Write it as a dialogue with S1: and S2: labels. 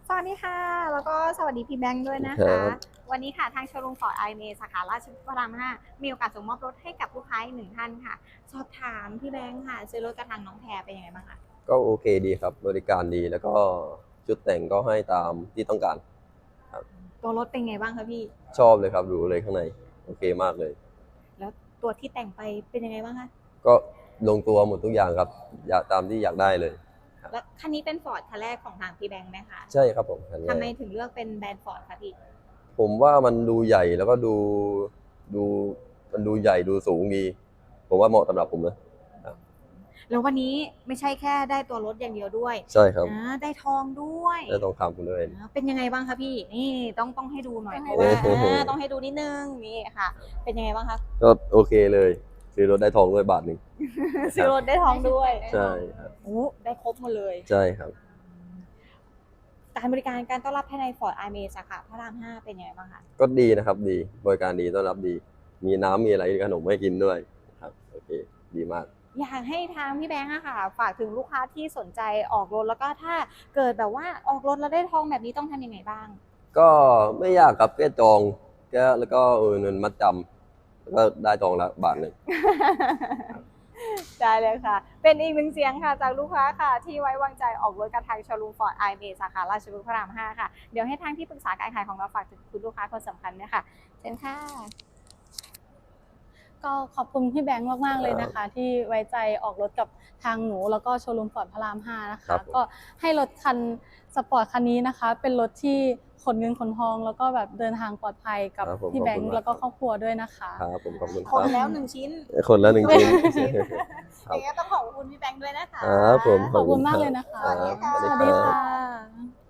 S1: สวัสดีค่ะแล้วก็สวัสดีพี่แบงค์ด้วยนะ
S2: ครั
S1: คะ
S2: บ
S1: วันนี้ค่ะทางโชว์รูมฟอร์ดไอเมสาขาราชพฤกษ์พระราม5มีโอกาสส่งมอบรถให้กับลูกค้าอีกหนึ่งท่านค่ะสอบถามพี่แบงค์ค่ะซื้อรถกระทางน้องแพรเป็นยังไงบ้างคะ
S2: ก็โอเคดีครับบริการดีแล้วก็ชุดแต่งก็ให้ตามที่ต้องการครับ
S1: ตัวรถเป็นไงบ้างคะพี่
S2: ชอบเลยครับดูเลยข้างในโอเคมากเลย
S1: แล้วตัวที่แต่งไปเป็นยังไงบ้างคะ
S2: ก็ลงตัวหมดทุกอย่างครับอยากตามที่อยากได้เลยครับ
S1: แล้วคันนี้เป็นฟอร์ดคันแรกของทางพี่แบงค์ไหมคะ
S2: ใช่ครับผมคันแร
S1: ทำไม
S2: ก
S1: ถึงเลือกเป็นแบรนด์ฟอร์ดคะพี่
S2: ผมว่ามันดูใหญ่แล้วก็ดูมันดูใหญ่ดูสูงดีผมว่าเหมาะสำหรับผมนะครับ
S1: แล้ววันนี้ไม่ใช่แค่ได้ตัวรถอย่างเดียวด้วย
S2: ใช่ครับ
S1: ได้ทองด้วย
S2: ได้ทองคำคุณด้วย
S1: เป็นยังไงบ้างคะพี่นี่ต้องให้ดูหน่อยเพราะ
S2: โอ้
S1: ว่า
S2: โห
S1: ต้องให้ดูนิดนึงนี่ค่ะเป็นยังไงบ้างคะ
S2: ก็โอเคเลยซื้อรถได้ทองด้วยบาทหนึ่ง
S1: ซื้อรถได้ทองด้วย
S2: ใช่ครับ
S1: โอ้ได้ครบหมดเลย
S2: ใช่ครับ
S1: การบริการการต้อนรับภายในฟอร์ดไอเมสาขาพระราม 5เป็นยังไงบ้างคะ
S2: ก็ดีนะครับดีบริการดีต้อนรับดีมีน้ำมีอะไรขนมให้กินด้วยครับโอเคดีมาก
S1: อยากให้ทางพี่แบงค์อะค่ะฝากถึงลูกค้าที่สนใจออกรถแล้วก็ถ้าเกิดแบบว่าออกรถแล้วได้ทองแบบนี้ต้องทำยังไงบ้าง
S2: ก็ไม่ยากครับแค่จองแค่แล้วก็เงินมัดจำแล้วก็ได้ทองละบาทหนึ่ง
S1: ได้เลยค่ะ เป็นอีกหนึ่งเสียงค่ะจากลูกค้าค่ะที่ไว้วางใจออกรถกับทางโชว์รูมฟอร์ดไอเมสาขาราชพฤกษ์พระราม 5ค่ะเดี๋ยวให้ทางที่ปรึกษาการขายของเราฝากถึงคุณลูกค้าคนสำคัญเนี่ยค่ะเชิญค่ะ
S3: ก็ขอบคุณพี่แบงค์มากๆเลยนะคะที่ไว้ใจออกรถกับทางหนูแล้วก็โชว์รูมฟอร์ดพระราม5นะ
S2: ครั
S3: คะ
S2: บผม
S3: ก็ให้รถคันสปอร์ตคันนี้นะคะเป็นรถที่ขนเงินขนทองแล้วก็แบบเดินทางปลอดภัยกับ
S2: ครับผม
S3: พี่แบงค์แล้วก็ครอบครัวด้วยนะคะ
S2: ครับผมขอบคุณค
S1: คน
S2: รับ
S1: แล้วหนึ่งชิ้น
S2: คนละหนึ่งชิ้น ค
S1: อ
S2: รับ
S1: ย่างนี้ต้องขอบคุณพี่แบงค์ด้วยนะคะ
S2: ครับผม
S3: ขอบคุณมากเลยนะคะ
S2: รับ
S1: สวัสดีค่ะ
S3: สวัสดีค่ะ